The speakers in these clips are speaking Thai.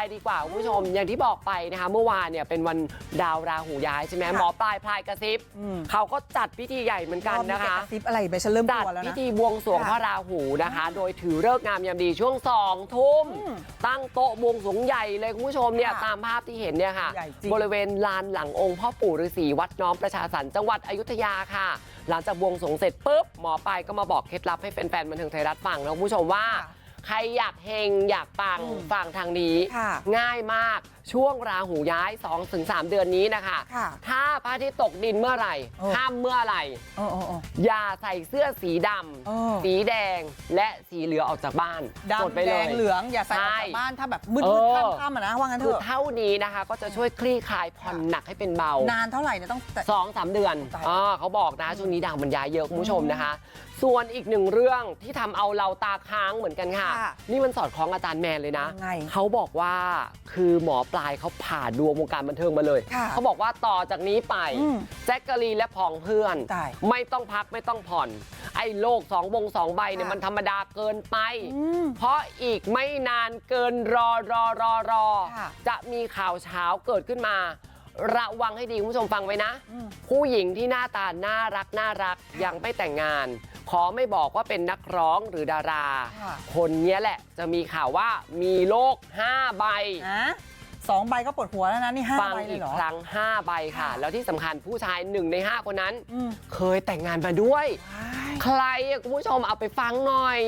ายดีกว่าคุณผู้ชมอย่างที่บอกไปนะคะเมื่อวานเนี่ยเป็นวันดาวราหูย้ายใช่ไหมหมอปลายพลายกระซิบเขาก็จัดพิธีใหญ่เหมือนกันนะคะกระซิบอะไรไปฉันเริ่มกจัดลัวแล้วนะพิธีบวงสรวงพระราหูนะคะโดยถือฤกษ์งามยามดีช่วง2 ทุ่มตั้งโต๊ะบวงสรวงใหญ่เลยคุณผู้ชมเนี่ยตามภาพที่เห็นเนี่ยค่ะบริเวณลานหลังองค์พ่อปู่ฤาษีวัดน้อมประชาสรรค์จังหวัดอยุธยาค่ะหลังจากบวงสรวงเสร็จปุ๊บหมอปลายก็มาบอกเคล็ดลับให้แฟนๆบันเทิงไทยรัฐฟังนะคุณผู้ชมว่าใครอยากเฮงอยากปังฟังทางนี้ง่ายมากช่วงราหูย้าย 2-3 เดือนนี้นะคะถ้าพระอาทิตย์ตกดินเมื่อไหร่ค่ำเมื่อไหร่อย่าใส่เสื้อสีดำสีแดงและสีเหลืองออกจากบ้านดำแดงเหลืองอย่าใส่ออกจากบ้านถ้าแบบมืดค่ำๆนะว่างั้นเถอะเท่านี้นะคะก็จะช่วยคลี่คลายผ่อนหนักให้เป็นเบานานเท่าไหร่เนี่ยต้อง 2-3 เดือนเขาบอกนะช่วงนี้ดาวมันย้ายเยอะคุณผู้ชมนะคะส่วนอีกหนึ่งเรื่องที่ทำเอาเราตาค้างเหมือนกันค่ะนี่มันสอดคล้องอาจารย์แมนเลยนะเขาบอกว่าคือหมอปลายเขาผ่าดวงวงการบันเทิงมาเลยเขาบอกว่าต่อจากนี้ไปแจ็คกะลีและผองเพื่อนไม่ต้องพักไม่ต้องผ่อนไอ้โลก2 ใบเนี่ยมันธรรมดาเกินไปเพราะอีกไม่นานเกินรอจะมีข่าวเช้าเกิดขึ้นมาระวังให้ดีคุณผู้ชมฟังไว้นะผู้หญิงที่หน้าตาน่ารักยังไม่แต่งงานขอไม่บอกว่าเป็นนักร้องหรือดาราคนนี้แหละจะมีข่าวว่ามีโรค5 ใบ 2 ใบก็ปวดหัวแล้วนะนี่5 ใบเลยเหรอฟังอีกครั้ง5 ใบค่ะแล้วที่สำคัญผู้ชาย1 ใน 5คนนั้นเคยแต่งงานมาด้วยใครคุณผู้ชมเอาไปฟังหน่อย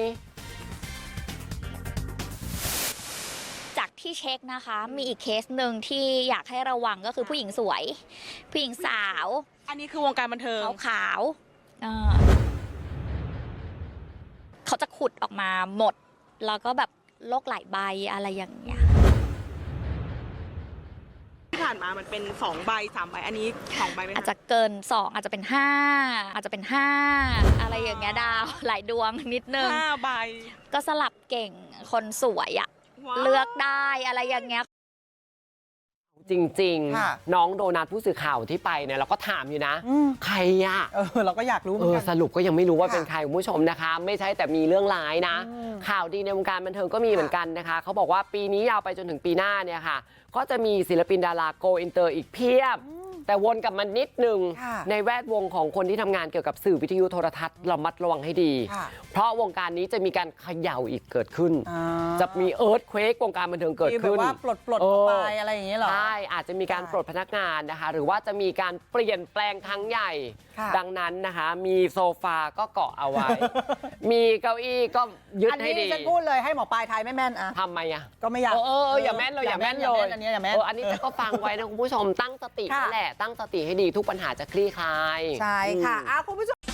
จากที่เช็คนะคะมีอีกเคสหนึ่งที่อยากให้ระวังก็คือผู้หญิงสวยผู้หญิงสาวอันนี้คือวงการบันเทิงขาวเขาจะขุดออกมาหมดแล้วก็แบบโรคหลายใบอะไรอย่างเงี้ยที่ผ่านมามันเป็น2 ใบ 3 ใบอันนี้2 ใบไหมอาจจะเกิน2อาจจะเป็น5อาจจะเป็น5อะไรอย่างเงี้ยดาวหลายดวงนิดนึง 5 ใบก็สลับเก่งคนสวยอะเลือกได้อะไรอย่างเงี้ยจริงๆน้องโดนัทผู้สื่อข่าวที่ไปเนี่ยเราก็ถามอยู่นะใครอะเราก็อยากรู้เหมือนกันสรุปก็ยังไม่รู้ว่าเป็นใครคุณผู้ชมนะคะไม่ใช่แต่มีเรื่องร้ายนะข่าวดีในวงการบันเทิงก็มีเหมือนกันนะคะเขาบอกว่าปีนี้ยาวไปจนถึงปีหน้าเนี่ยค่ะก็จะมีศิลปินดาราโกอินเตอร์อีกเพียบแต่วนกลับมันนิดนึงในแวดวงของคนที่ทำงานเกี่ยวกับสื่อวิทยุโทรทัศน์ระมัดระวังให้ดีเพราะวงการนี้จะมีการเขย่าอีกเกิดขึ้นจะมีเอิร์ธเควกวงการบันเทิงเกิดขึ้นว่าปลดไปอะไรอย่างเงี้ยหรอใช่อาจจะมีการปลดพนักงานนะคะหรือว่าจะมีการเปลี่ยนแปลงครั้งใหญ่ดังนั้นนะคะมีโซฟาก็เกาะเอาไว้มีเก้าอี้ก็ยึดให้ดีอันนี้ฉันพูดเลยให้หมอปลายทายไม่แม่นอะทำไมอะก็ไม่อยากอย่าแม่นเลยอย่าแม่นเลยอันนี้อย่าแม่นอันนี้ก็ฟังไว้นะคุณผู้ชมตั้งสตินั่นแหละตั้งสติให้ดีทุกปัญหาจะคลี่คลายใช่ค่ะคุณผู้ชม